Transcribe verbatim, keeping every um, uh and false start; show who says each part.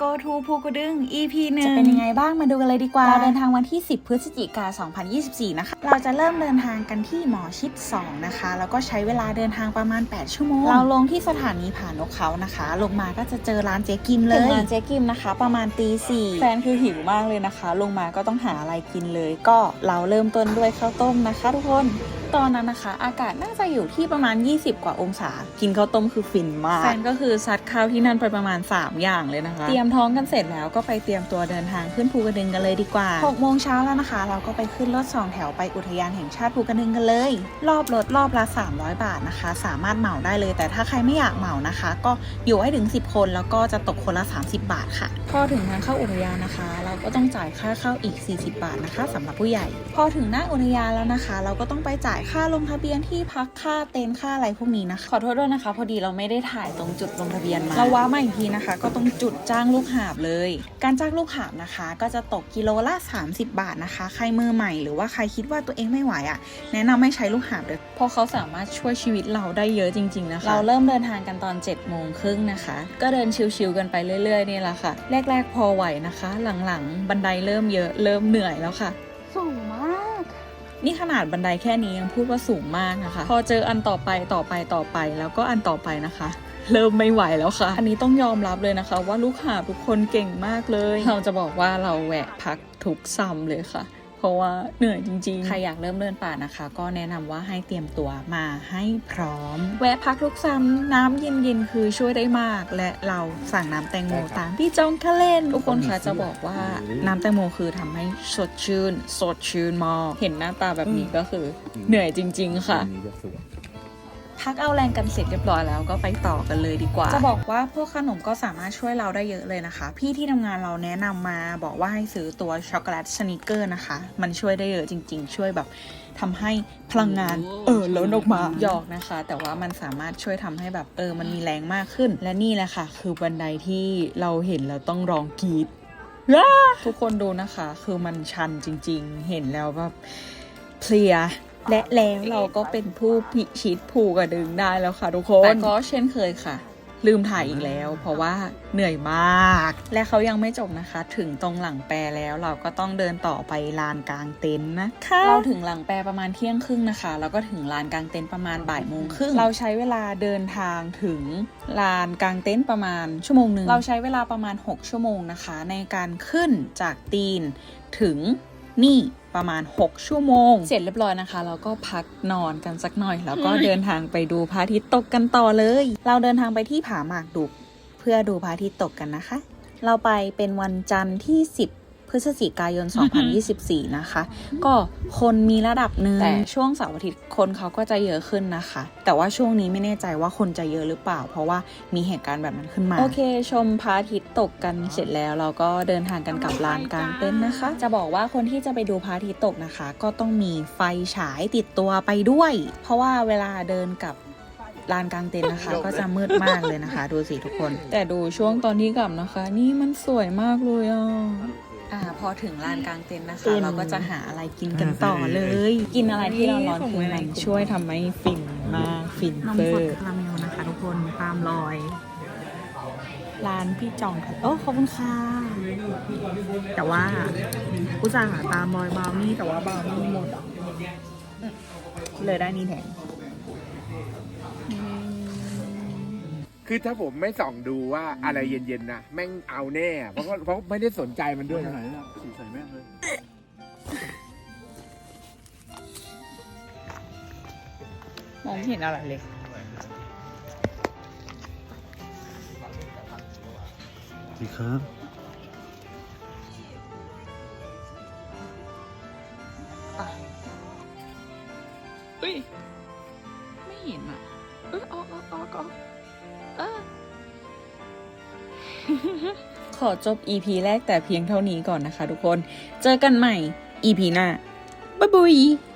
Speaker 1: Go to ภูกระดึง อี พี หนึ่ง
Speaker 2: จะเป็นยังไงบ้างมาดูกันเลยดีกว่าเราเดินทางวันที่สิบพฤศจิกายนสองพันยี่สิบสี่นะคะเราจะเริ่มเดินทางกันที่หมอชิดสองนะคะแล้วก็ใช้เวลาเดินทางประมาณแปดชั่วโมงเราลงที่สถานีผานกเขานะคะลงมาก็จะเจอร้านเจ๊กิมเลยร้านเจ๊กิมนะคะประมาณตีสี่แฟนคือหิวมากเลยนะคะลงมาก็ต้องหาอะไรกินเลยก็เราเริ่มต้นด้วยข้าวต้มนะคะทุกคนตอนนั้นนะคะอากาศน่าจะอยู่ที่ประมาณยี่สิบกว่าองศากินข้าวต้มคือฟินมากแฟนก็คือซัดข้าวที่นั่นไปประมาณสามอย่างเลยนะคะเตรียมท้องกันเสร็จแล้วก็ไปเตรียมตัวเดินทางขึ้นภูกระดึงกันเลยดีกว่าหกโมงเช้าแล้วนะคะเราก็ไปขึ้นรถสองแถวไปอุทยานแห่งชาติภูกระดึงกันเลยรอบรถรอบละสามร้อยบาทนะคะสามารถเหมาได้เลยแต่ถ้าใครไม่อยากเหมานะคะก็อยู่ให้ถึงสิบคนแล้วก็จะตกคนละสามสิบบาทค่ะพอถึงทางเข้าอุทยานนะคะเราก็ต้องจ่ายค่าเข้าอีกสี่สิบบาทนะคะสำหรับผู้ใหญ่พอถึงหน้าอุทยานแล้วนะคะเราก็ต้องไปจ่ายค่าลงทะเบียนที่พักค่าเต็นท์ค่าอะไรพวกนี้นะคะขอโทษด้วยนะคะพอดีเราไม่ได้ถ่ายตรงจุดลงทะเบียนมาเราว้ามาอีกทีนะคะก็ต้องจุดจ้างลูกหาบเลยการจ้างลูกหาบนะคะก็จะตกกิโลละสามสิบบาทนะคะใครมือใหม่หรือว่าใครคิดว่าตัวเองไม่ไหวอ่ะแนะนำให้ใช้ลูกหาบเลยเพราะเขาสามารถช่วยชีวิตเราได้เยอะจริงๆนะคะเราเริ่มเดินทางกันตอนเจ็ดโมงครึ่งนะคะก็เดินชิวๆกันไปเรื่อยๆนี่แหละค่ะแรกๆพอไหวนะคะหลังๆบันไดเริ่มเยอะเริ่มเหนื่อยแล้วค่ะสูงมากนี่ขนาดบันไดแค่นี้ยังพูดว่าสูงมากนะคะพอเจออันต่อไปต่อไปต่อไปแล้วก็อันต่อไปนะคะเริ่มไม่ไหวแล้วค่ะอันนี้ต้องยอมรับเลยนะคะว่าลูกหาบทุกคนเก่งมากเลยเราจะบอกว่าเราแวะพักทุกซ้ำเลยค่ะเพราะว่าเหนื่อยจริงๆใครอยากเริ่มเดินป่านะคะก็แนะนำว่าให้เตรียมตัวมาให้พร้อมแวะพักทุกซ้ำน้ำเย็นๆคือช่วยได้มากและเราสั่งน้ำแตงโมตามที่จองคะเล่นทุกคนคะจะบอกว่าน้ำแตงโมคือทำให้สดชื่นสดชื่นมากเห็นหน้าตาแบบนี้ก็คือเหนื่อยจริงๆค่ะพักเอาแรงกันเสร็จเรียบร้อยแล้วก็ไปต่อกันเลยดีกว่าจะบอกว่าพวกขนมก็สามารถช่วยเราได้เยอะเลยนะคะพี่ที่ทำงานเราแนะนำมาบอกว่าให้ซื้อตัวช็อกโกแลตสนิกเกอร์นะคะมันช่วยได้เยอะจริงๆช่วยแบบทำให้พลังงานเออล้นออกมาหยอกนะคะแต่ว่ามันสามารถช่วยทำให้แบบเออมันมีแรงมากขึ้นและนี่แหละค่ะคือบันไดที่เราเห็นแล้วต้องร้องกรี๊ดทุกคนดูนะคะคือมันชันจริงๆเห็นแล้วแบบเพลียและแล้วเราก็เป็นผู้พิชิตภูกระดึงได้แล้วค่ะทุกคนแต่ก็เช่นเคยค่ะลืมถ่ายอีกแล้วเพราะว่าเหนื่อยมากและเขายังไม่จบนะคะถึงตรงหลังแปรแล้วเราก็ต้องเดินต่อไปลานกลางเต็นท์นะคะเราถึงหลังแปรประมาณเที่ยงครึ่งนะคะแล้วก็ถึงลานกลางเต็นท์ประมาณบ่ายโมงครึ่งเราใช้เวลาเดินทางถึงลานกลางเต็นท์ประมาณชั่วโมงหนึ่งเราใช้เวลาประมาณหกชั่วโมงนะคะในการขึ้นจากตีนถึงนี่ประมาณหกชั่วโมงเสร็จเรียบร้อยนะคะเราก็พักนอนกันสักหน่อยแล้วก็เดินทางไปดูพระอาทิตย์ตกกันต่อเลยเราเดินทางไปที่ผาหมากดุกเพื่อดูพระอาทิตย์ตกกันนะคะเราไปเป็นวันจันทร์ที่สิบพฤศจิกายนสองพันยี่สิบสี่นะคะก็คนมีระดับหนึ่งแต่ช่วงเสาร์อาทิตย์คนเขาก็จะเยอะขึ้นนะคะแต่ว่าช่วงนี้ไม่แน่ใจว่าคนจะเยอะหรือเปล่าเพราะว่ามีเหตุการณ์แบบนั้นขึ้นมาโอเคชมพระอาทิตย์ตกกันเสร็จแล้วเราก็เดินทางกันกลับลานกลางเต็นท์นะคะจะบอกว่าคนที่จะไปดูพระอาทิตย์ตกนะคะก็ต้องมีไฟฉายติดตัวไปด้วยเพราะว่าเวลาเดินกับลานกลางเต็นท์นะคะก็จะมืดมากเลยนะคะดูสิทุกคนแต่ดูช่วงตอนที่กลับนะคะนี่มันสวยมากเลยอ่ะอ่าพอถึงลานกลางเต็นท์นะคะเราก็จะหาอะไรกินกันต่อเลยกินอะไรที่ร้อนๆคือมันช่วยทำให้ฟินมากฟินเฟอร์คาราเมลนะคะทุกคนตามรอยร้านพี่จองโอ้ขอบคุณค่ะแต่ว่าอุตส่าห์หาตามรอยบราวนี่แต่ว่าบราวนี่หมดเลยได้นี่แทน
Speaker 3: คือถ้าผมไม่ส่องดูว่าอะไรเย็นๆนะแม่งเอาแน่เพราะเพราะไม่ได้สนใจมันด้วยนะสีใส่แม่งเลย
Speaker 1: มองไม่เห็นอะไรเลย
Speaker 4: ดีครับ
Speaker 1: เฮ้ยไม่เห็นอ่ะเออออกออกออกออกเออ ขอจบ อี พี แรกแต่เพียงเท่านี้ก่อนนะคะทุกคนเจอกันใหม่ อี พี หน้าบ๊ายบาย